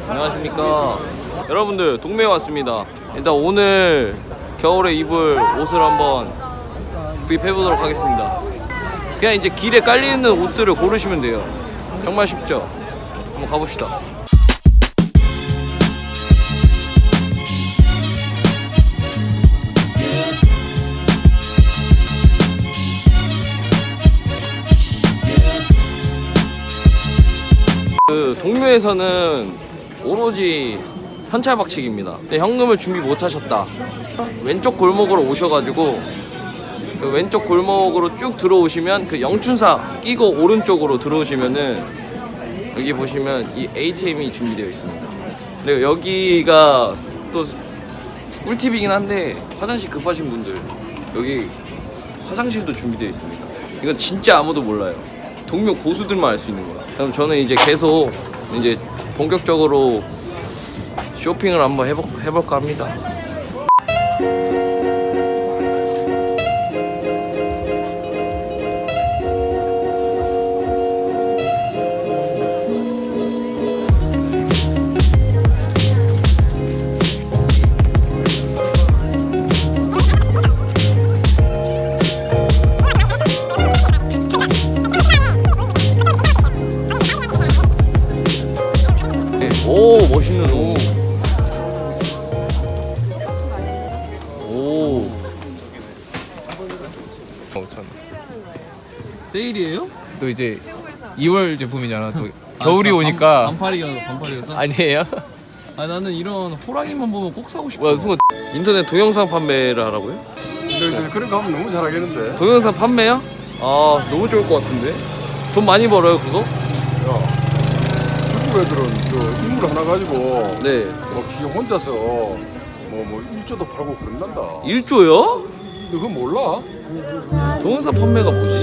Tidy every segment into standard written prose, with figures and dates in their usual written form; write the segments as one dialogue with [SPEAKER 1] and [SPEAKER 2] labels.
[SPEAKER 1] 안녕하십니까. 여러분들 동묘에 왔습니다. 일단 오늘 겨울에 입을 옷을 한번 구입해보도록 하겠습니다. 그냥 이제 길에 깔려있는 옷들을 고르시면 돼요. 정말 쉽죠? 한번 가봅시다. 그 동묘에서는 오로지 현찰박치기입니다. 근데 현금을 준비 못하셨다, 왼쪽 골목으로 오셔가지고 그 왼쪽 골목으로 쭉 들어오시면 그 영춘사 끼고 오른쪽으로 들어오시면은 여기 보시면 이 ATM이 준비되어 있습니다. 그리고 여기가 또 꿀팁이긴 한데 화장실 급하신 분들 여기 화장실도 준비되어 있습니다. 이건 진짜 아무도 몰라요. 동묘 고수들만 알 수 있는 거야. 그럼 저는 이제 계속 이제 본격적으로 쇼핑을 한번 해볼까 합니다. 오, 멋있는 옷. 오.
[SPEAKER 2] 5,000원.
[SPEAKER 1] 세일이에요?
[SPEAKER 2] 또 이제 2월 제품이잖아. 또 겨울이 오니까.
[SPEAKER 1] 반팔이어서?
[SPEAKER 2] 아니에요?
[SPEAKER 1] 아, 나는 이런 호랑이만 보면 꼭 사고 싶어.
[SPEAKER 2] 와, 순간
[SPEAKER 1] 인터넷 동영상 판매를 하라고요?
[SPEAKER 3] 근데 그런 거 하면 너무 잘하겠는데.
[SPEAKER 1] 동영상 판매요? 아, 너무 좋을 것 같은데. 돈 많이 벌어요, 그거?
[SPEAKER 3] 야, 중국 애들은 저 인물 하나 가지고
[SPEAKER 1] 네.
[SPEAKER 3] 지 혼자서 뭐 1조도 팔고 그런단다.
[SPEAKER 1] 1조요?
[SPEAKER 3] 너 그거 몰라?
[SPEAKER 1] 동영상 판매가 뭐지?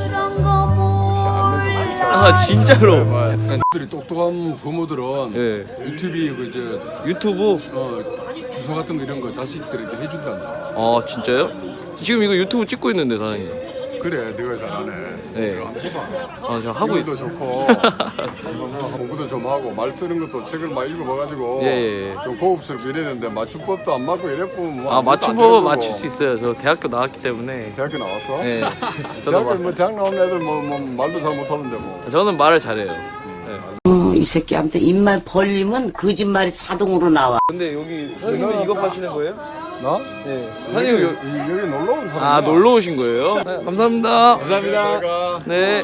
[SPEAKER 3] 안 내서 괜찮아.
[SPEAKER 1] 아, 진짜로?
[SPEAKER 2] 약간
[SPEAKER 3] 들이 똑똑한 부모들은
[SPEAKER 1] 네.
[SPEAKER 3] 유튜브에
[SPEAKER 1] 유튜브?
[SPEAKER 3] 주소 같은 거 이런 거 자식들에게 해준단다.
[SPEAKER 1] 아, 진짜요? 지금 이거 유튜브 찍고 있는데, 사장님.
[SPEAKER 3] 그래, 네가 잘하네.
[SPEAKER 1] 네.
[SPEAKER 3] 이거 한번 해봐.
[SPEAKER 1] 아, 제가 하고
[SPEAKER 3] 기분도 좋고 공부도 좀 하고 말 쓰는 것도 책을 막 읽어봐가지고
[SPEAKER 1] 예.
[SPEAKER 3] 좀 고급스럽게 이랬는데 맞춤법도 안 맞고 이랬고 뭐
[SPEAKER 1] 아,
[SPEAKER 3] 아무것도 안
[SPEAKER 1] 맞춤법은
[SPEAKER 3] 되는
[SPEAKER 1] 맞출
[SPEAKER 3] 거고.
[SPEAKER 1] 수 있어요. 저 대학교 나왔기 때문에.
[SPEAKER 3] 대학교 나왔어?
[SPEAKER 1] 네.
[SPEAKER 3] 대학 나온 애들 뭐 말도 잘 못하는데 뭐.
[SPEAKER 1] 저는 말을 잘해요.
[SPEAKER 4] 이 새끼한테 입만 벌리면 거짓말이 자동으로 나와.
[SPEAKER 1] 근데 여기 사장님은 이거 파시는 거예요?
[SPEAKER 3] 나?
[SPEAKER 1] 네.
[SPEAKER 3] 여기,
[SPEAKER 1] 사장님
[SPEAKER 3] 여기 놀러 온 사람.
[SPEAKER 1] 아, 놀러 오신 거예요? 네, 감사합니다.
[SPEAKER 3] 감사합니다.
[SPEAKER 1] 네.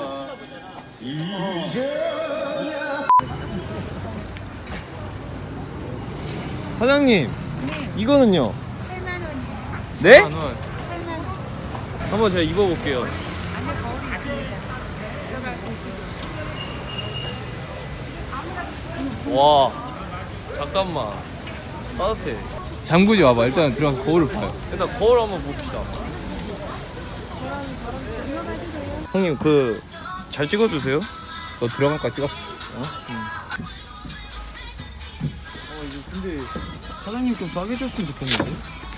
[SPEAKER 1] 사장님, 이거는요?
[SPEAKER 5] 8만 원이에요.
[SPEAKER 1] 네?
[SPEAKER 5] 8만 원.
[SPEAKER 1] 한번 제가 입어볼게요.
[SPEAKER 5] 안에 거울이 있습니다. 들어가 보시죠.
[SPEAKER 1] 와, 잠깐만. 따뜻해.
[SPEAKER 2] 장구지 와봐. 일단 들어가서 거울을 봐요.
[SPEAKER 1] 일단 거울 한번 봅시다. 형님, 잘 찍어주세요.
[SPEAKER 2] 너 들어갈까 찍었어.
[SPEAKER 1] 이거 근데 사장님 좀 싸게 줬으면 좋겠는데?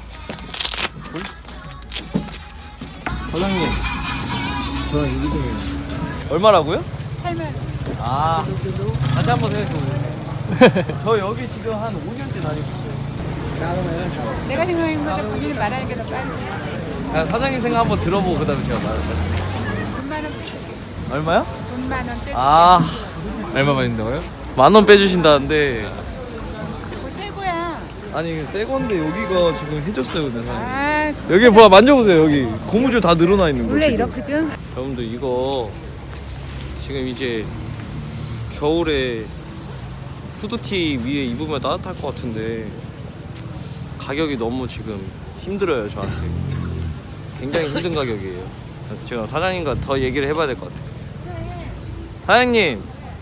[SPEAKER 1] 사장님, 저는 여기 좀 얼마라고요?
[SPEAKER 5] 8만 원.
[SPEAKER 1] 아, 다시 한번 생각해보세요. 저 여기 지금 한 5년째 다니고 있어요.
[SPEAKER 5] 내가 생각하는 것보다 본인이 말하는 게 더 빠르지.
[SPEAKER 1] 그냥 사장님 생각 한번 들어보고 그 다음에 제가 말씀드릴게요.
[SPEAKER 5] 돈만 원 빼줄게.
[SPEAKER 1] 얼마요?
[SPEAKER 5] 돈만 원 빼줄게.
[SPEAKER 1] 아,
[SPEAKER 2] 얼마 받는다고요?
[SPEAKER 1] 10,000원 빼주신다는데.
[SPEAKER 5] 그거 새 거야.
[SPEAKER 1] 아니, 새 건데 여기가 지금 해줬어요, 근데 사장님.
[SPEAKER 5] 아,
[SPEAKER 1] 여기 봐, 만져보세요. 여기 고무줄 다 늘어나 있는 거.
[SPEAKER 5] 원래
[SPEAKER 1] 지금.
[SPEAKER 5] 이렇거든.
[SPEAKER 1] 여러분들, 이거 지금 이제 겨울에 후드티 위에 입으면 따뜻할 것 같은데 가격이 너무 지금 힘들어요, 저한테. 굉장히 힘든 가격이에요. 그래서 제가 사장님과 더 얘기를 해봐야 될 것 같아요. 사장님,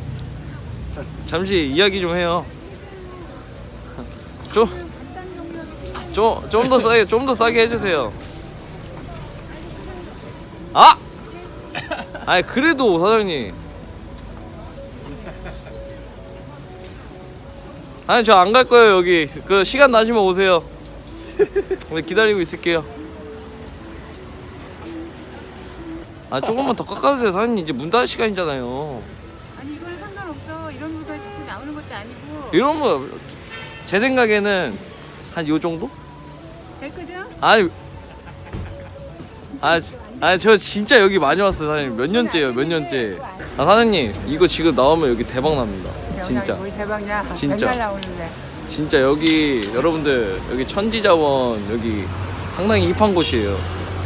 [SPEAKER 1] 잠시 이야기 좀 해요. 좀 더 싸게 해주세요. 아! 아니, 그래도 사장님. 아니, 저 안 갈 거예요. 여기 그 시간 나시면 오세요. 기다리고 있을게요. 아, 조금만 더 깎아주세요. 사장님, 이제 문 닫을 시간이잖아요.
[SPEAKER 5] 아니 이거는 상관없어. 이런 물건이 자꾸 나오는 것도 아니고
[SPEAKER 1] 이런 거 제 생각에는 한 요 정도?
[SPEAKER 5] 됐거든?
[SPEAKER 1] 아니 저 진짜 여기 많이 왔어요 사장님. 몇 년째예요 몇 년째. 아 사장님 이거 지금 나오면 여기 대박 납니다 진짜.
[SPEAKER 5] 뭘 대박이야.
[SPEAKER 1] 진짜.
[SPEAKER 5] 맨날 나오는데.
[SPEAKER 1] 진짜 여기 여러분들 여기 천지자원 여기 상당히 힙한 곳이에요.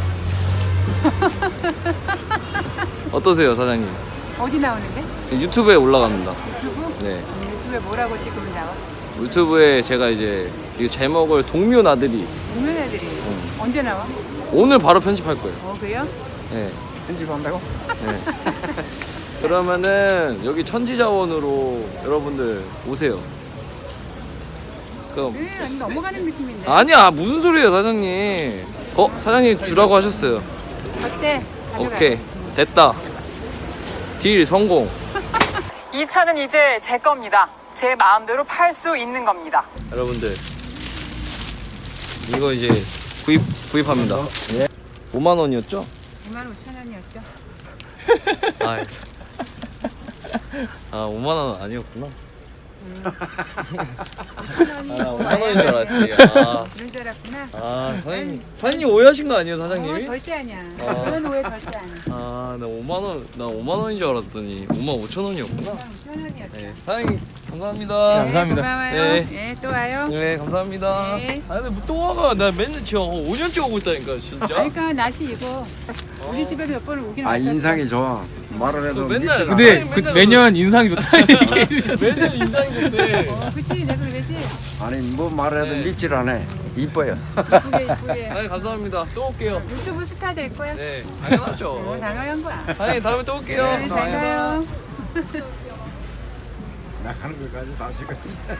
[SPEAKER 1] 어떠세요 사장님?
[SPEAKER 5] 어디 나오는데?
[SPEAKER 1] 유튜브에 올라갑니다.
[SPEAKER 5] 유튜브?
[SPEAKER 1] 네
[SPEAKER 5] 유튜브에 뭐라고 찍으면 나와?
[SPEAKER 1] 유튜브에 제가 이제 이 제목을 동묘 나들이
[SPEAKER 5] 동네 애들이 언제 나와?
[SPEAKER 1] 오늘 바로 편집할 거예요.
[SPEAKER 5] 그래요?
[SPEAKER 1] 네.
[SPEAKER 2] 편집한다고?
[SPEAKER 1] 네. 그러면은 여기 천지자원으로 여러분들 오세요. 그럼
[SPEAKER 5] 아니, 넘어가는 느낌인데.
[SPEAKER 1] 아니야 무슨 소리예요 사장님. 사장님 주라고 하셨어요.
[SPEAKER 5] 어때? 가져가.
[SPEAKER 1] 오케이 됐다. 딜 성공.
[SPEAKER 6] 이 차는 이제 제 겁니다. 제 마음대로 팔 수 있는 겁니다.
[SPEAKER 1] 여러분들 이거 이제 구입합니다. 5만 원이었죠?
[SPEAKER 5] 25,000원이었죠.
[SPEAKER 1] 아 5만 원 아니었구나. 5만 원인 줄 알았지.
[SPEAKER 5] 그런 줄 알았구나.
[SPEAKER 1] 사장님 오해하신 거 아니에요 사장님이?
[SPEAKER 5] 절대 아니야. 그런 오해 절대 아니야.
[SPEAKER 1] 나 5만 원인 줄 알았더니 5만 5천 원이었구나.
[SPEAKER 5] 25,000원이었죠.
[SPEAKER 1] 네, 사장님 감사합니다.
[SPEAKER 2] 감사합니다.
[SPEAKER 5] 고마워요.
[SPEAKER 1] 네.
[SPEAKER 5] 네, 또 와요.
[SPEAKER 1] 네 감사합니다.
[SPEAKER 5] 네.
[SPEAKER 1] 근데 또 와가 나 맨날 지금 5년째 오고 있다니까 진짜.
[SPEAKER 5] 그러니까 날씨 이거 우리 집에도 몇 번 오긴 왔었어.
[SPEAKER 3] 인상이 좋아. 말을 해도
[SPEAKER 1] 맨날
[SPEAKER 2] 근데
[SPEAKER 1] 사장님
[SPEAKER 2] 그
[SPEAKER 1] 맨날
[SPEAKER 2] 매년 인상이 좋다는 얘기 해주셨는데
[SPEAKER 1] 매년 인상이 좋대.
[SPEAKER 5] 그치 내가 그러지.
[SPEAKER 3] 아니 뭐 말해도
[SPEAKER 1] 네.
[SPEAKER 3] 밉질 않아. 이뻐요.
[SPEAKER 5] 이쁘게.
[SPEAKER 1] 네 감사합니다. 또 올게요.
[SPEAKER 5] 유튜브 스타 될 거야.
[SPEAKER 1] 네 당연하죠.
[SPEAKER 5] 당연한 거야.
[SPEAKER 1] 사장님 다음에 또 올게요.
[SPEAKER 5] 네, 잘 가요.
[SPEAKER 3] 나가는 것까지 다 지금.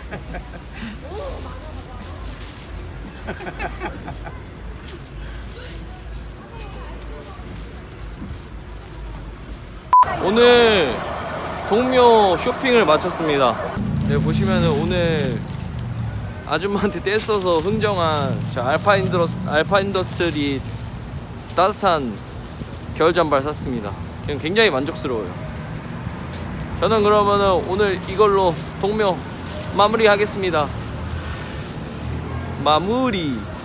[SPEAKER 1] 오늘 동묘 쇼핑을 마쳤습니다. 네, 보시면은 오늘 아줌마한테 떼써서 흥정한 저 알파인더스트리 따뜻한 겨울 잠바를 샀습니다. 그냥 굉장히 만족스러워요. 저는 그러면은 오늘 이걸로 동묘 마무리하겠습니다. 마무리.